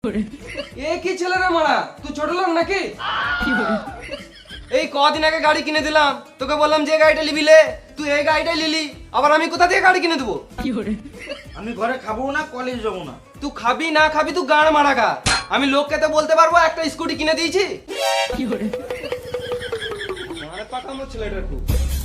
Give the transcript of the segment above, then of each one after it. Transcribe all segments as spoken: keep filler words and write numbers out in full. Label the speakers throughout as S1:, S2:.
S1: এ কি ছেলে রে মারা, তুই ছোট লোক নাকি? এই কদিন আগে গাড়ি কিনে দিলাম, তোকে বললাম যে গাড়িটা নিবি লে, তুই এই গাড়িটাই নিলি, আবার আমি কোথা থেকে গাড়ি কিনে দেবো?
S2: আমি ঘরে খাবো না, কলেজ যাবো না।
S1: তুই খাবি না খাবি তুই গাড় মারা গা। আমি লোককে তো বলতে পারবো একটা স্কুটি কিনে দিয়েছি। মারে পাকামো ছেলেটার খুব।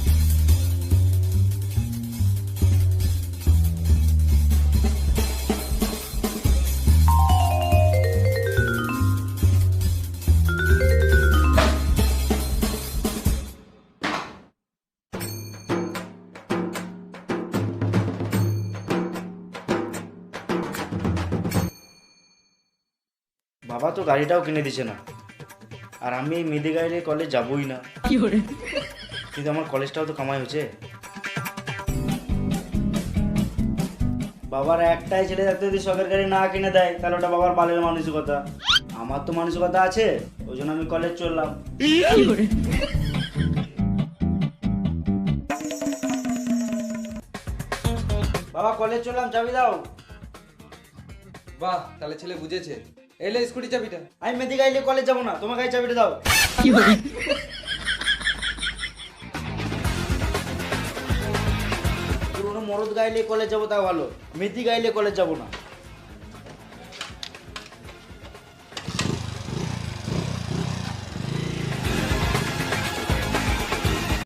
S2: বাবা তো গাড়িটাও কিনে দিছে না, আর আমি এই মেদি গাড়ি নিয়ে কলেজ যাবোই না। কিন্তু আমার কলেজটাও তো কামাই হচ্ছে। বাবার একটাই ছেলে থাকতে যদি শখের গাড়ি না কিনে দেয় তাহলে ওটা বাবার বালের মানসিকতা। আমার তো মানসিকতা আছে, ওই জন্য আমি কলেজ চললাম। বাবা কলেজ চললাম, চাবি দাও।
S1: বাহ, তাহলে ছেলে বুঝেছে। এলে স্কুটি চাবিটা।
S2: আমি মেদি গাড়ি নিয়ে কলেজ যাবো না, তোমার গাড়ি চাবিটা দাও। পুরোনো মরদ গাড়ি নিয়ে কলেজ যাবো তাও ভালো, মেদি গাড়ি নিয়ে কলেজ যাবো না।